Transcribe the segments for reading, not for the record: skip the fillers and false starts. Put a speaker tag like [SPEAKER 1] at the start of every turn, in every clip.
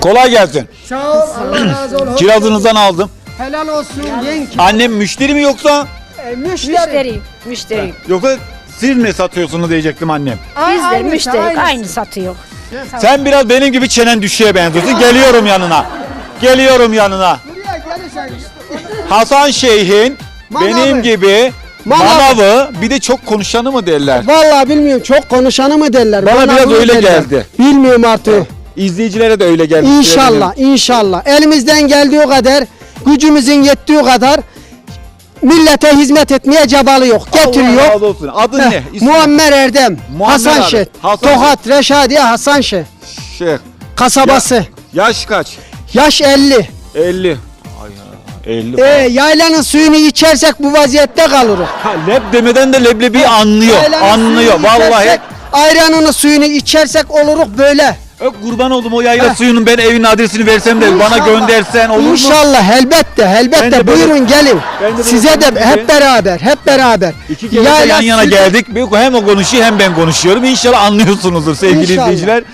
[SPEAKER 1] Kolay gelsin.
[SPEAKER 2] Sağ ol, Allah razı olsun.
[SPEAKER 1] Kirazınızdan aldım.
[SPEAKER 2] Helal olsun yenge.
[SPEAKER 1] Annem müşteri mi yoksa?
[SPEAKER 2] Müşteri.
[SPEAKER 3] Müşteri.
[SPEAKER 1] Yoksa siz mi satıyorsunuz diyecektim annem.
[SPEAKER 3] Biz de
[SPEAKER 2] Aynısı,
[SPEAKER 3] müşteri
[SPEAKER 2] aynısı.
[SPEAKER 3] aynı satıyor.
[SPEAKER 1] Sen biraz benim gibi çenen düşüğe benziyorsun. Geliyorum yanına. Geliyorum yanına.
[SPEAKER 2] Buraya gelirsen
[SPEAKER 1] Hasan Şeyh'in
[SPEAKER 2] Manavı.
[SPEAKER 1] benim gibi
[SPEAKER 2] Manavı.
[SPEAKER 1] manavı, bir de çok konuşanı mı derler?
[SPEAKER 2] vallahi bilmiyorum, çok konuşanı mı derler?
[SPEAKER 1] Bana biraz
[SPEAKER 2] bunu
[SPEAKER 1] öyle
[SPEAKER 2] derler.
[SPEAKER 1] geldi.
[SPEAKER 2] Bilmiyorum artık.
[SPEAKER 1] İzleyicilere de öyle geldi.
[SPEAKER 2] İnşallah, inşallah. Elimizden geldiği kadar, gücümüzün yettiği kadar millete hizmet etmeye cabalı yok.
[SPEAKER 1] Allah
[SPEAKER 2] Getiriyor.
[SPEAKER 1] razı olsun. Adın
[SPEAKER 2] Heh,
[SPEAKER 1] ne? İsmi?
[SPEAKER 2] Muammer Erdem,
[SPEAKER 1] Muammer
[SPEAKER 2] Hasan
[SPEAKER 1] abi.
[SPEAKER 2] Şeh,
[SPEAKER 1] Hasan
[SPEAKER 2] Tokat, Reşadiye Hasan Şeh,
[SPEAKER 1] Şeyh.
[SPEAKER 2] kasabası.
[SPEAKER 1] Yaş kaç?
[SPEAKER 2] Yaş 50.
[SPEAKER 1] 50. Ay ya, 50.
[SPEAKER 2] Yaylanın suyunu içersek bu vaziyette kalırız.
[SPEAKER 1] Ha, leb demeden de leblebi anlıyor.
[SPEAKER 2] Yaylanın
[SPEAKER 1] Anlıyor
[SPEAKER 2] suyunu
[SPEAKER 1] vallahi.
[SPEAKER 2] içersek, ayranını suyunu içersek oluruk böyle.
[SPEAKER 1] Kurban oldum o yayla suyunun, ben evin adresini versem de bana
[SPEAKER 2] İnşallah.
[SPEAKER 1] göndersen olur mu?
[SPEAKER 2] İnşallah, elbette,
[SPEAKER 1] Ben
[SPEAKER 2] elbette.
[SPEAKER 1] de böyle-
[SPEAKER 2] Buyurun gelin.
[SPEAKER 1] ben de böyle
[SPEAKER 2] Size de
[SPEAKER 1] konuşayım.
[SPEAKER 2] hep beraber, hep beraber.
[SPEAKER 1] İki kere de
[SPEAKER 2] Yayla
[SPEAKER 1] yan yana
[SPEAKER 2] suyu-
[SPEAKER 1] geldik. Hem o konuşuyor hem ben konuşuyorum. İnşallah anlıyorsunuzdur sevgili
[SPEAKER 2] İnşallah.
[SPEAKER 1] izleyiciler.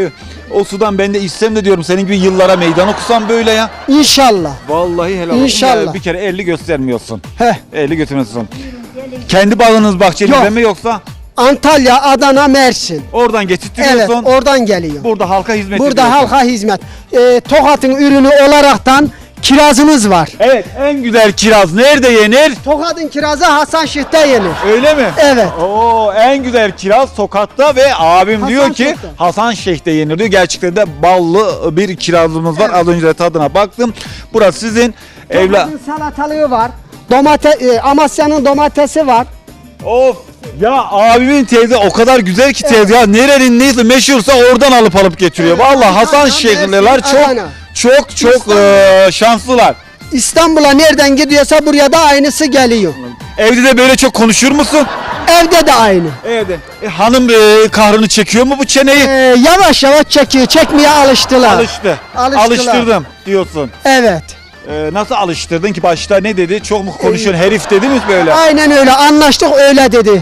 [SPEAKER 1] O sudan ben de içsem de diyorum senin gibi yıllara meydan okusam böyle ya.
[SPEAKER 2] İnşallah.
[SPEAKER 1] Vallahi helal olsun.
[SPEAKER 2] İnşallah.
[SPEAKER 1] Ya bir kere 50 göstermiyorsun.
[SPEAKER 2] Heh.
[SPEAKER 1] 50 götürmüyorsun. Kendi bağınız bahçenizde
[SPEAKER 2] Yok.
[SPEAKER 1] mi yoksa
[SPEAKER 2] Antalya, Adana, Mersin.
[SPEAKER 1] oradan
[SPEAKER 2] Evet,
[SPEAKER 1] getirtiyorsun?
[SPEAKER 2] oradan geliyor.
[SPEAKER 1] Burada halka hizmet
[SPEAKER 2] Burada
[SPEAKER 1] ediyorsun.
[SPEAKER 2] halka hizmet. Tokat'ın ürünü olaraktan kirazımız var.
[SPEAKER 1] Evet, en güzel kiraz nerede yenir?
[SPEAKER 2] Tokat'ın kirazı Hasan Şeh'te yenir.
[SPEAKER 1] Öyle mi?
[SPEAKER 2] Evet.
[SPEAKER 1] Oo, en güzel kiraz Tokat'ta ve abim
[SPEAKER 2] Hasan
[SPEAKER 1] diyor ki
[SPEAKER 2] Şeyh'te.
[SPEAKER 1] Hasan Şeyh'te yenir diyor. Gerçekten de ballı bir kirazımız var.
[SPEAKER 2] Evet.
[SPEAKER 1] Az önce de tadına baktım. Burası sizin evla.
[SPEAKER 2] Tokat'ın salatalığı var. Amasya'nın domatesi var.
[SPEAKER 1] Of. Ya abimin teyze o kadar güzel ki teyze ya, nerenin neyse meşhursa oradan alıp getiriyor.
[SPEAKER 2] Evet.
[SPEAKER 1] Vallahi Hasan
[SPEAKER 2] Adana,
[SPEAKER 1] Şeyhliler
[SPEAKER 2] Mersin, Adana.
[SPEAKER 1] çok şanslılar.
[SPEAKER 2] İstanbul'a nereden gidiyorsa buraya da aynısı geliyor.
[SPEAKER 1] Evde de böyle çok konuşur musun?
[SPEAKER 2] Evde de aynı.
[SPEAKER 1] Evde. Hanım kahrını çekiyor mu bu çeneyi?
[SPEAKER 2] Yavaş yavaş çekiyor. Çekmeye alıştılar.
[SPEAKER 1] Alıştı.
[SPEAKER 2] Alıştılar.
[SPEAKER 1] Alıştırdım diyorsun.
[SPEAKER 2] Evet.
[SPEAKER 1] Nasıl alıştırdın ki, başta ne dedi? Çok mu konuşuyorsun herif dedi mi böyle?
[SPEAKER 2] Aynen öyle. Anlaştık, öyle dedi.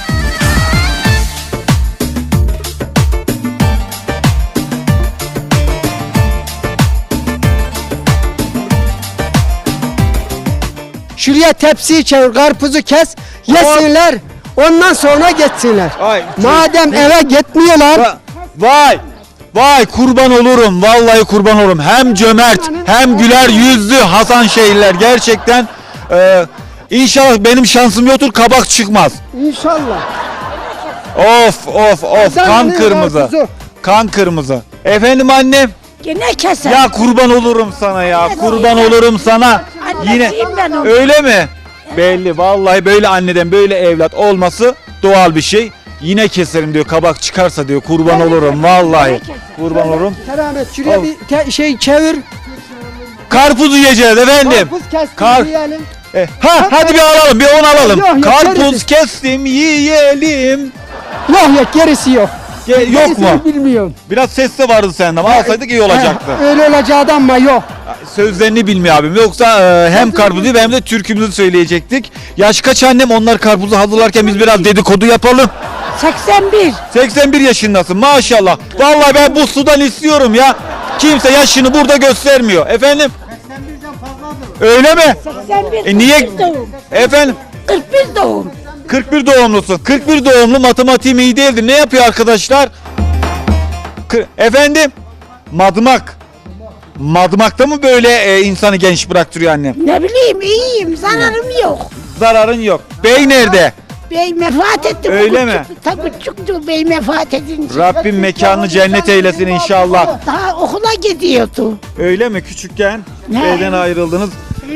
[SPEAKER 2] Şuraya tepsiyi çevir, karpuzu kes, yesinler. Ondan sonra geçsinler.
[SPEAKER 1] Ay,
[SPEAKER 2] Madem eve gitmiyorlar,
[SPEAKER 1] Vay kurban olurum, vallahi kurban olurum. Hem cömert hem güler yüzlü Hasan Şeyhliler gerçekten. İnşallah benim şansım yoktur, kabak çıkmaz.
[SPEAKER 2] İnşallah.
[SPEAKER 1] Of kan
[SPEAKER 2] Kazanıyor
[SPEAKER 1] kırmızı.
[SPEAKER 2] karpuzu.
[SPEAKER 1] Kan kırmızı. Efendim annem,
[SPEAKER 3] Gene keser.
[SPEAKER 1] ya kurban olurum sana ya, kurban olurum sana. Yine
[SPEAKER 3] Annesiyim ben onun.
[SPEAKER 1] öyle mi? Belli, vallahi böyle anneden böyle evlat olması doğal bir şey. Yine keserim diyor, kabak çıkarsa diyor, kurban olurum vallahi. Kurban olurum.
[SPEAKER 2] Keramet, şuraya
[SPEAKER 1] Al.
[SPEAKER 2] bir şey çevir.
[SPEAKER 1] Karpuzu yiyeceğiz efendim.
[SPEAKER 2] Karpuz kestim,
[SPEAKER 1] Kar-
[SPEAKER 2] yiyelim.
[SPEAKER 1] Hadi bir alalım, bir on alalım.
[SPEAKER 2] Yok,
[SPEAKER 1] Karpuz
[SPEAKER 2] gerisi.
[SPEAKER 1] kestim, yiyelim.
[SPEAKER 2] Yok gerisi yok.
[SPEAKER 1] Yok
[SPEAKER 2] Gerisini
[SPEAKER 1] mu?
[SPEAKER 2] bilmiyorum.
[SPEAKER 1] Biraz ses de vardı sende ama alsaydık iyi olacaktı.
[SPEAKER 2] Öyle olacaktı ama yok.
[SPEAKER 1] Sözlerini bilmiyor abim. Yoksa hem karpuzu hem de türkümüzü söyleyecektik. Yaş kaç annem? Onlar karpuzu hazırlarken biz biraz dedikodu yapalım.
[SPEAKER 3] 81.
[SPEAKER 1] 81 yaşındasın maşallah. Vallahi ben bu sudan istiyorum ya. Kimse yaşını burada göstermiyor. Efendim? 81'den fazladır. Öyle mi?
[SPEAKER 3] 81.
[SPEAKER 1] Niye?
[SPEAKER 3] 41 doğum.
[SPEAKER 1] Efendim?
[SPEAKER 3] 41 doğum.
[SPEAKER 1] 41 doğumlusun. 41 doğumlu, matematiğim iyi değildir. Ne yapıyor arkadaşlar? Efendim? Madımak. Madımakta mı böyle insanı genç bıraktırıyor annem?
[SPEAKER 3] Ne bileyim iyiyim. Zararım yok.
[SPEAKER 1] Zararın yok. Bey nerede?
[SPEAKER 3] Bey vefat etti.
[SPEAKER 1] Öyle mi?
[SPEAKER 3] Tabii küçüktü bey vefat edince.
[SPEAKER 1] Rabbim mekanını cennet eylesin inşallah.
[SPEAKER 3] Daha okula gidiyordu.
[SPEAKER 1] Öyle mi? Küçükken
[SPEAKER 3] Ne?
[SPEAKER 1] evden ayrıldınız.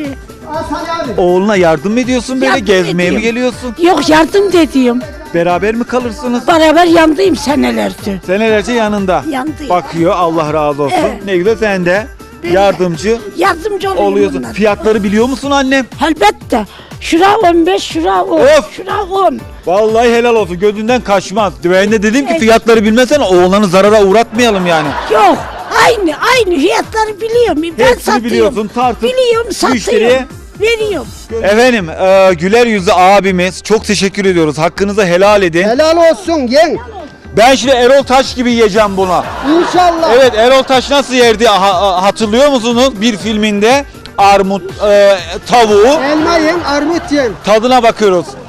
[SPEAKER 1] Oğluna yardım mı ediyorsun böyle?
[SPEAKER 3] Yardım
[SPEAKER 1] Gezmeye mi
[SPEAKER 3] ediyorum.
[SPEAKER 1] geliyorsun?
[SPEAKER 3] Yok yardım dediğim.
[SPEAKER 1] Beraber mi kalırsınız?
[SPEAKER 3] Beraber yandıyım senelerce.
[SPEAKER 1] Senelerce yanında.
[SPEAKER 3] Yandı.
[SPEAKER 1] Bakıyor, Allah razı olsun.
[SPEAKER 3] Evet.
[SPEAKER 1] Ne güzel, sen de yardımcı
[SPEAKER 3] Yardımcı olayım
[SPEAKER 1] oluyorsun.
[SPEAKER 3] bunlara.
[SPEAKER 1] Fiyatları biliyor musun annem?
[SPEAKER 3] Elbette. Şura 15, şura 10.
[SPEAKER 1] Of!
[SPEAKER 3] Şura 10.
[SPEAKER 1] Vallahi helal olsun, gözünden kaçmaz. Ben de dedim ki fiyatları bilmesen oğlanı zarara uğratmayalım yani.
[SPEAKER 3] Yok. Aynı fiyatları biliyorum. Ben
[SPEAKER 1] Hepsini
[SPEAKER 3] satıyorum.
[SPEAKER 1] biliyorsun, tartıp
[SPEAKER 3] Biliyorum, satıyorum.
[SPEAKER 1] müşteriye-
[SPEAKER 3] Veriyorum.
[SPEAKER 1] Efendim güler yüzlü abimiz, çok teşekkür ediyoruz. Hakkınızı helal edin.
[SPEAKER 2] Helal olsun yeng.
[SPEAKER 1] Ben şimdi Erol Taş gibi yiyeceğim bunu.
[SPEAKER 2] İnşallah.
[SPEAKER 1] Evet, Erol Taş nasıl yerdi hatırlıyor musunuz? Bir filminde armut tavuğu
[SPEAKER 2] Elma yiyin, armut yiyin.
[SPEAKER 1] tadına bakıyoruz.